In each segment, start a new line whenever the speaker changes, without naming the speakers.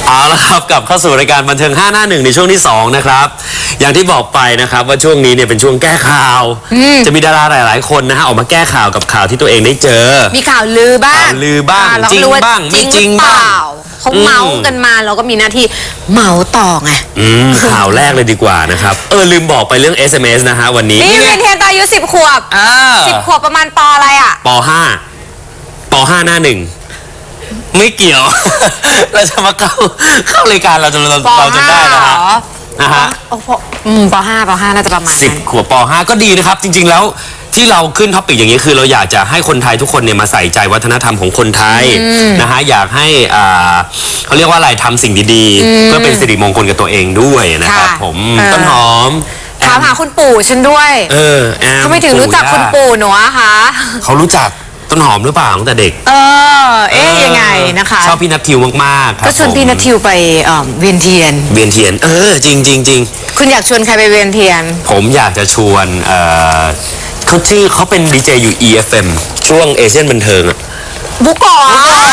เอาละครับกลับเข้าสู่รายการบันเทิง5 หน้า 1ในช่วงที่2นะครับอย่างที่บอกไปนะครับว่าช่วงนี้เนี่ยเป็นช่วงแก้ข่าวจะมีดาราหลายๆคนนะฮะออกมาแก้ข่าวกับข่าวที่ตัวเองได้เจอ
มีข่าวลือบ้าง
ข่าวลือบ้างจริงบ้างไม่จริงบ้าง
เขาเมาส์กันมาเราก็มีหน้าที่เมาส์ต่อไง
ข่าวแรกเลยดีกว่านะครับลืมบอกไปเรื่อง SMS นะฮะวันนี้
นี่เป็นเทียนตอนอายุ10 ขวบ10 ขวบประมาณป.อะไรอ่ะ
ป.5 หน้า 1ไม่เกี่ยว เราจะมาเข้ารายการเราจะได้นะฮะ
ป.5 น่าจะประมาณ
10 ขวบป.5 ก็ดีนะครับจริงๆแล้วที่เราขึ้นท็อปิกอย่างนี้คือเราอยากจะให้คนไทยทุกคนเนี่ยมาใส่ใจวัฒนธรรมของคนไทยนะฮะอยากให้เขาเรียกว่าอะไรทำสิ่งดีๆเพื่อเป็นสิริมงคลกับตัวเองด้วยนะครับผมต้นหอม
ถามหาคุณปู่ฉันด้วยเขาไม่ถึงรู้จักคุณปู่หนูอะคะ
เขารู้จักต้นหอมหรือเปล่าตั้งแต่เด็ก
ยังไงนะคะ
ชอบพี่นัททิวมากๆ
ก็ชวนพี่นัททิวไปเวียนเทียน
จริง
คุณอยากชวนใครไปเวียนเทียน
ผมอยากจะชวนเขาเป็นดีเจอยู่ EFM ช่วงเอเชียนบันเทิงอะ
บุกก่อน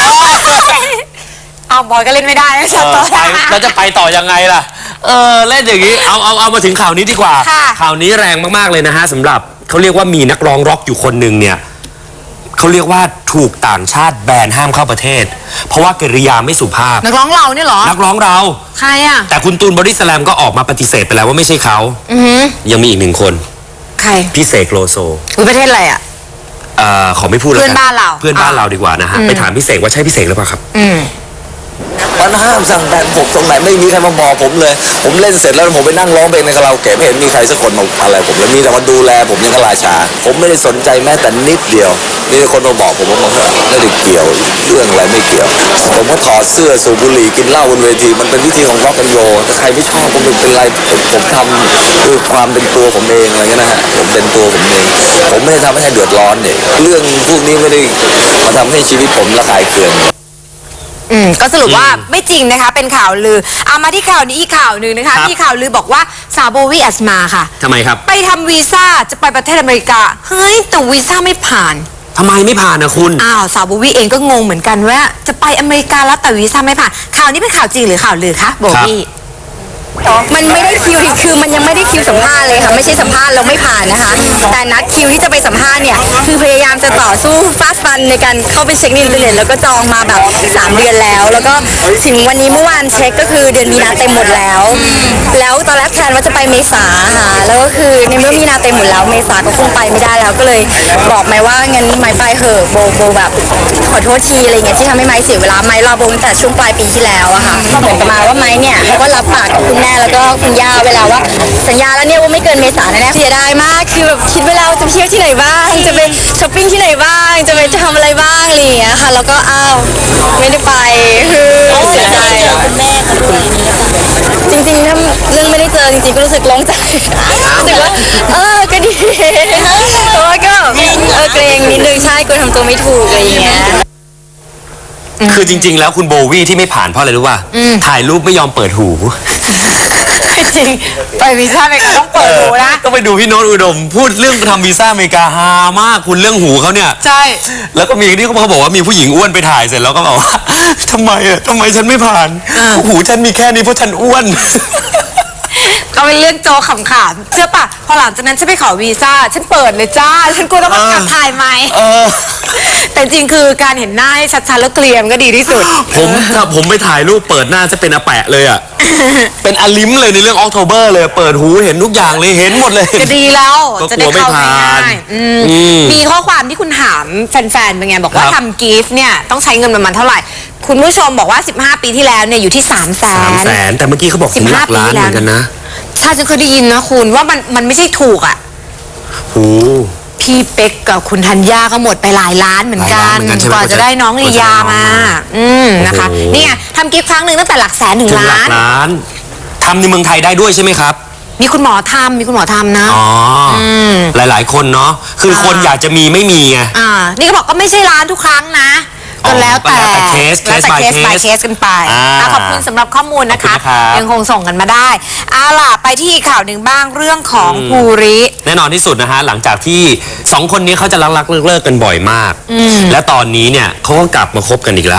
เอาบอยก็เล่นไม่ได้นะต่อ
แล้วจะไปต่อยังไงล่ะเล่นอย่างนี้เอามาถึงข่าวนี้ดีกว่าข่าวนี้แรงมากๆเลยนะฮะสำหรับเขาเรียกว่ามีนักร้องร็อกอยู่คนหนึ่งเนี่ยเขาเรียกว่าถูกต่างชาติแบนห้ามเข้าประเทศเพราะว่ากิริยาไม่สุภาพ
นักร้องเราเนี่ยหรอ
นักร้องเรา
ใครอะ
แต่คุณตูนบอดี้สแลมก็ออกมาปฏิเสธไปแล้วว่าไม่ใช่เขายังมีอีก1 คน
ใคร
พี่เสกโลโซ
ประเทศอะไรอะ
ขอไม่พูดแล้วกัน
เพื่อนบ้าน
เราดีกว่านะฮะไปถามพี่เสกว่าใช่พี่เสกหรือเปล่าครับ
มันห้ามสั่งแบนผมตรงไหนไม่มีใครมาบอกผมเลยผมเล่นเสร็จแล้วผมไปนั่งร้องเพลงในคาราโอเกะไม่เห็นมีใครสักคนมาอะไรผมเลยมีแต่มาดูแลผมยังกราชาผมไม่ได้สนใจแม้แต่นิดเดียวมีแต่คนมาบอกผมว่ามันไม่ได้เกี่ยวเรื่องอะไรไม่เกี่ยวผมก็ถอดเสื้อสูบบุหรี่กินเหล้าบนเวทีมันเป็นวิธีของร็อกแอนด์โรลถ้าใครไม่ชอบผมเป็นไรผมทำคือความเป็นตัวผมเองอะไรเงี้ยนะฮะผมเป็นตัวผมเองผมไม่ได้ทำให้ใครเดือดร้อนเนี่ยเรื่องพวกนี้ไม่ได้มาทำให้ชีวิตผมระคายเคือง
ก็สรุปว่าไม่จริงนะคะเป็นข่าวลือเอามาที่ข่าวนี้อีกข่าวหนึ่งนะคะมีข่าวลือบอกว่าสาวโบวี่อัสมาค่ะ
ทำไมครับ
ไปทำวีซ่าจะไปประเทศอเมริกาเฮ้ยแต่วีซ่าไม่ผ่าน
ทำไมไม่ผ่านนะคุณ
สาวโบวี่เองก็งงเหมือนกันว่าจะไปอเมริกาแล้วแต่วีซ่าไม่ผ่านข่าวนี้เป็นข่าวจริงหรือข่าวลือคะโบวี่
มันไม่ได้คิวคือมันยังไม่ได้คิวสัมภาษณ์เลยค่ะไม่ใช่สัมภาษณ์เราไม่ผ่านนะคะแต่นัดคิวที่จะไปสัมภาษณ์เนี่ยคือพยายามจะต่อสู้ฟาดฟันในการเข้าไปเช็คอินเทอร์เน็ตแล้วก็จองมาแบบ3 เดือนแล้วก็ถึงวันนี้เมื่อวานเช็คก็คือเดือนมีนาเต็มหมดแล้วตอนแรกแพลนว่าจะไปเมษาค่ะแล้วก็คือในเมื่อมีนาเต็มหมดแล้วเมษาก็คงไปไม่ได้แล้วก็เลยบอกไม้ว่างั้นไม้ไปเหอะโบแบบขอโทษทีอะไรเงี้ยที่ทำให้ไม้เสียเวลาไม้รอโบตั้งแต่ช่วงปลายปีที่แล้วอะค่ะก็เหมือนกับมาว่าไม้เนี่ยเขาก็รับปากกับคุณแม่แล้วก็คุณย่าเวลาว่าสัญญาแล้วเนี่ยว่าไม่เกินเมษาแน่ๆเสียดายมากคือแบบคิดเวลาจะเที่ยวที่ไหนบ้างจะไปช้อปปิ้งที่ไหนบ้างจะไปทำอะไรบ้างอะไรอย่างเงี้ยค่ะแล้วก็ไม่ได้ไปคือเสียใจคุณแม่ด้วยจริงๆถ้าเรื่องไม่ได้เจอจริงๆก็รู้สึกโล่งใจรู้สึกว่าก็ดีเพราะว่าก็เกรงนิดนึงใช่กลัวทำตัวไม่ถูกอะไรอย่างเงี้ย
คือจริงๆแล้วคุณโบวี่ที่ไม่ผ่านเพราะอะไรรู้ป่ะถ่ายรูปไม่ยอมเปิดหู
จริงไปวีซ่าอเมริกาต้องเปิดหูนะ
ต้องไปดูพี่โน้ตอุดมพูดเรื่องทำวีซ่าอเมริกาฮามากคุณเรื่องหูเขาเนี่ย
ใช่
แล้วก็มีที่เขาบอกว่ามีผู้หญิงอ้วนไปถ่ายเสร็จแล้วก็บอกว่าทำไมฉันไม่ผ่านหูฉันมีแค่นี้เพราะฉันอ้วน
ก็เป็นเรื่องโจขำๆเชื่อป่ะพอหลังจากนั้นฉันไปขอวีซ่าฉันเปิดเลยจ้าฉันกลัวต้องมากลับถ่ายไหมแต่จริงคือการเห็นหน้าให้ชัดๆแล้วเกลียมก็ดีที่สุด
ผมไปถ่ายรูปเปิดหน้าจะเป็นอาแปะเลยอ่ะเป็นอลิมเลยในเรื่อง October เลยเปิดหูเห็นทุกอย่างเลยเห็นหมดเลย
ก็ดีแล้ว
จะได้เข้าง่าย
มีข้อความที่คุณถามแฟนๆเป็นไงบอกว่าทำกิฟต์เนี่ยต้องใช้เงินประมาณเท่าไหร่คุณผู้ชมบอกว่า15 ปีที่แล้วเนี่ยอยู่ที่300,000
แต่เมื่อกี้เขาบอกถึงหลักล้านเหมือนกันนะ
ใช่ฉันเคยได้ยินนะคุณว่ามันไม่ใช่ถูกอ่ะพี่เป๊กกับคุณธัญญาก็หมดไปหลายล้านเหมือนกันกว่าจะได้น้องลียามานะคะนี่ไงทำกิฟต์ครั้งหนึ่งตั้งแต่หลักแสนถึงล้าน
ทำในเมืองไทยได้ด้วยใช่ไหมครับ
มีคุณหมอทำนะ
หลายๆคนเนาะคือคนอยากจะมีไม่มีไง
นี่ก็บอกก็ไม่ใช่ล้านทุกครั้งนะก็แล้วแต่
เคส by
เคสกันไปขอบคุณสำหรับข้อมูลนะคะยังคงส่งกันมาได้ล่ะไปที่ข่าวหนึ่งบ้างเรื่องของภูริ
แน่นอนที่สุดนะฮะหลังจากที่2 คนนี้เขาจะรักเลิกกันบ่อยมากและตอนนี้เนี่ยเขาก็กลับมาคบกันอีกแล้ว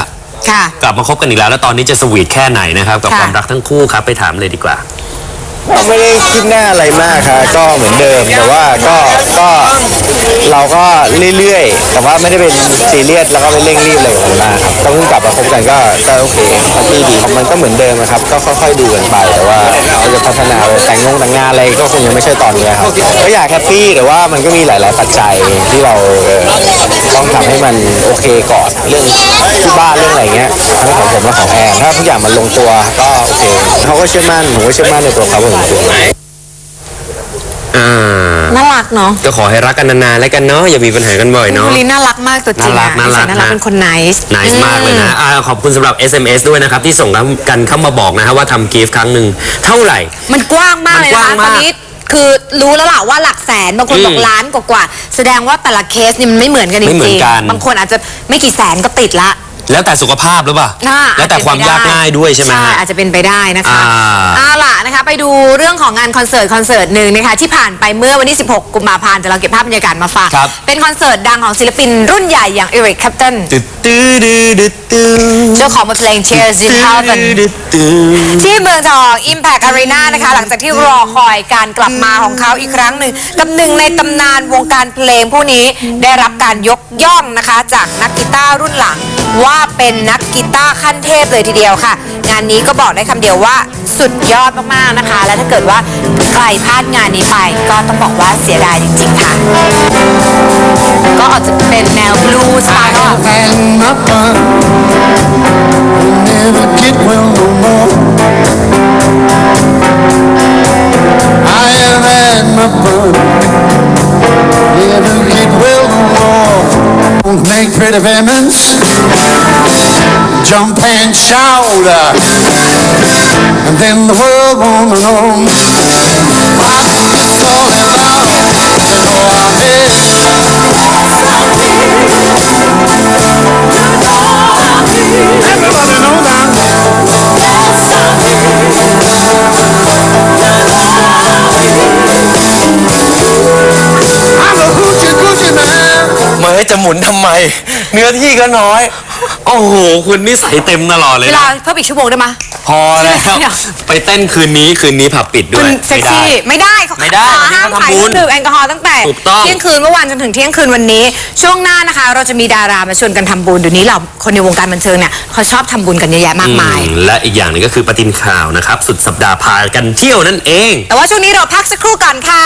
ค่ะ
กลับมาคบกันอีกแล้วตอนนี้จะสวีทแค่ไหนนะครับกับ
ค่ะ
ความรักทั้งคู่ครับไปถามเลยดีกว่า
ไม่ได้คิดหน้าอะไรมากครับก็เหมือนเดิมแต่ว่าก็เราก็เรื่อยๆแต่ว่าไม่ได้เป็นซีเรียสแล้วก็ไม่เร่งรีบอะไรแบบนั้นมากครับก็เพิ่งกลับมาคบกันก็โอเคแฮปปี้ดีมันก็เหมือนเดิมนะครับก็ค่อยๆดูกันไปแต่ว่าเราจะพัฒนาไปแต่งงานอะไรก็คงยังไม่ใช่ตอนนี้ครับก็อยากแฮปปี้แต่ว่ามันก็มีหลายๆปัจจัยที่เราต้องทำให้มันโอเคก่อนเรื่องที่บ้านเรื่องอะไรเงี้ยทั้งของผมและของแอนถ้าทุกอย่างมันลงตัวก็โอเคเขาก็เชื่อมั่นผมก็เชื่อมั่นในตัวเขาเหมือนกัน
น่ารักเนาะ
ก็ขอให้รักกันนานๆแล้วกันเนาะอย่ามีปัญหากันบ่อย
คุณ
เนาะ
ภูริน่ารักมากตัวจริงอะ
น่ารัก
นิสัยน่ารักเป็นคน nice
น c e มากเลยนะขอบคุณสำหรับ SMS ด้วยนะครับ ที่ส่งกันเข้ามาบอกนะฮะว่าทำกิฟต์ครั้งหนึ่งเท่าไหร่
มันกว้างมากเลย
มันก
นะ
ว้าง
คะต
มาก
อนนี้คือรู้แล้วล่ะว่าหลักแสนบางคนบอกล้านกว่าๆแสดงว่าแต่ละเคสนี่มันไม่เหมือนกันจ
ไม่เหมื
ริ
อน
ง
กัน
ๆบางคนอาจจะไม่กี่แสนก็ติดละ
แล้วแต่สุขภาพหรือเปล่า แล้วแต่ความยากง่ายด้วยใช่ไหม
ใช่
ฮะ
อาจจะเป็นไปได้นะคะ
อ่า
ล่ะนะคะไปดูเรื่องของงานคอนเสิร์ตหนึ่งนะคะที่ผ่านไปเมื่อวันที่ 16 กุมภาพันธ์แต่เราเก็บภาพบรรยากาศมาฝาก
ครับ
เป็นคอนเสิร์ตดังของศิลปินรุ่นใหญ่อย่างเอริกแคปตัน
ตึ๊ดตื้อดื้อดื้อตื้อ
เจ้าของบทเพลง Tears in Heaven ที่เมืองทอง Impact Arena นะคะหลังจากที่รอคอยการกลับมาของเขาอีกครั้งหนึ่งกับหนึ่งในตำนานวงการเพลงผู้นี้ได้รับการยกย่องนะคะจากนักกีตาร์รุ่นหลังว่าเป็นนักกีตาร์ขั้นเทพเลยทีเดียวค่ะ งานนี้ก็บอกได้คำเดียวว่าสุดยอดมากๆนะคะ และถ้าเกิดว่าใครพลาดงานนี้ไปก็ต้องบอกว่าเสียดายจริงๆค่ะ ก็อาจจะเป็นแนวบลูส์สไตล์ก็
and my fun will never get well no more. I have had my fun, never get well no more. Don't make pretty women's jump and shout, and then the world won't know what it's all about. You know I'm Everybody know that. I'm a hoochie coochie man.
เมื่อจะหมุนทำไม เนื้อที่ก็น้อย
โอ้โห คุณนี่ใส่เต็มตลอดเลย
เว
นะ
ลาเพิ่มอีกชั่วโมงได้ไหม
พอแล้ว
เดี๋ยว
ไปเต้นคืนนี้ผับปิดด้
คุ
วย
ณเซ็กซี่ไม่ได้เขา
ไม่ได้
ห้าม
วันนี้เขา
ขาย
ทำ
เค
บุ
รื่
ญ
องดื่มแอลกอฮอล์ตั้งแต่
ถูกต้อง
เที่ยงคืนเมื่อวานจนถึงเที่ยงคืนวันนี้ ช่วงหน้านะคะ เราจะมีดารามาชวนกันทำบุญเดี๋ยวนี้เราคนในวงการบันเทิงเนี่ยเขาชอบทำบุญกันเยอะแยะมากมาย
และอีกอย่างหนึงก็คือปฏิทินข่าวนะครับ สุดสัปดาห์พากันเที่ยวนั่นเอง
แต่ว่าช่วงนี้เราพักสักครู่ก่อนค่ะ